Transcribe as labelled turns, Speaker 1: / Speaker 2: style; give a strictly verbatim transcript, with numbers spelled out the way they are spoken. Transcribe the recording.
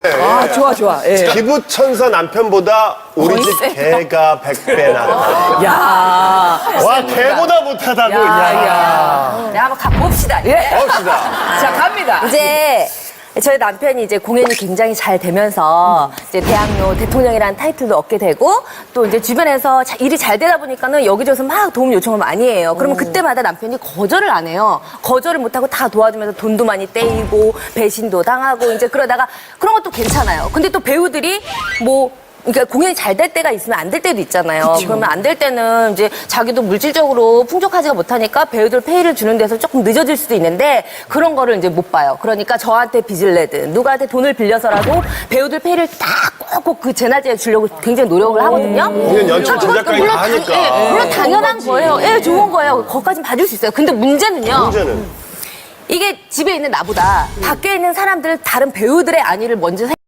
Speaker 1: 아, 좋아, 좋아. 예.
Speaker 2: 기부천사 남편보다 우리 집 개가 백 배 낫다.
Speaker 1: 야.
Speaker 2: 와, 개보다 못하다고.
Speaker 1: 야,
Speaker 2: 야.
Speaker 1: 야.
Speaker 3: 네, 한번 가봅시다.
Speaker 1: 예.
Speaker 2: 봅시다.
Speaker 1: 자, 갑니다.
Speaker 3: 이제 저희 남편이 이제 공연이 굉장히 잘 되면서 이제 대학로 대통령이라는 타이틀도 얻게 되고 또 이제 주변에서 자- 일이 잘 되다 보니까는 여기저기서 막 도움 요청을 많이 해요. 그러면 그때마다 남편이 거절을 안 해요. 거절을 못하고 다 도와주면서 돈도 많이 떼이고 배신도 당하고 이제 그러다가 그런 것도 괜찮아요. 근데 또 배우들이 뭐 그러니까 공연이 잘 될 때가 있으면 안 될 때도 있잖아요. 그러면 안 될 때는 이제 자기도 물질적으로 풍족하지가 못하니까 배우들 페이를 주는 데서 조금 늦어질 수도 있는데 그런 거를 이제 못 봐요. 그러니까 저한테 빚을 내든 누구한테 돈을 빌려서라도 배우들 페이를 다 꼭꼭 그 재나지에 주려고 굉장히 노력을 하거든요.
Speaker 2: 공연 연출
Speaker 3: 그건
Speaker 2: 제작까지
Speaker 3: 물론
Speaker 2: 다
Speaker 3: 당-
Speaker 2: 하니까.
Speaker 3: 예, 물론 당연한 거예요. 예, 좋은 거예요. 거기까지는 봐줄 수 있어요. 근데 문제는요.
Speaker 2: 문제는.
Speaker 3: 이게 집에 있는 나보다 밖에 있는 사람들 다른 배우들의 안위를 먼저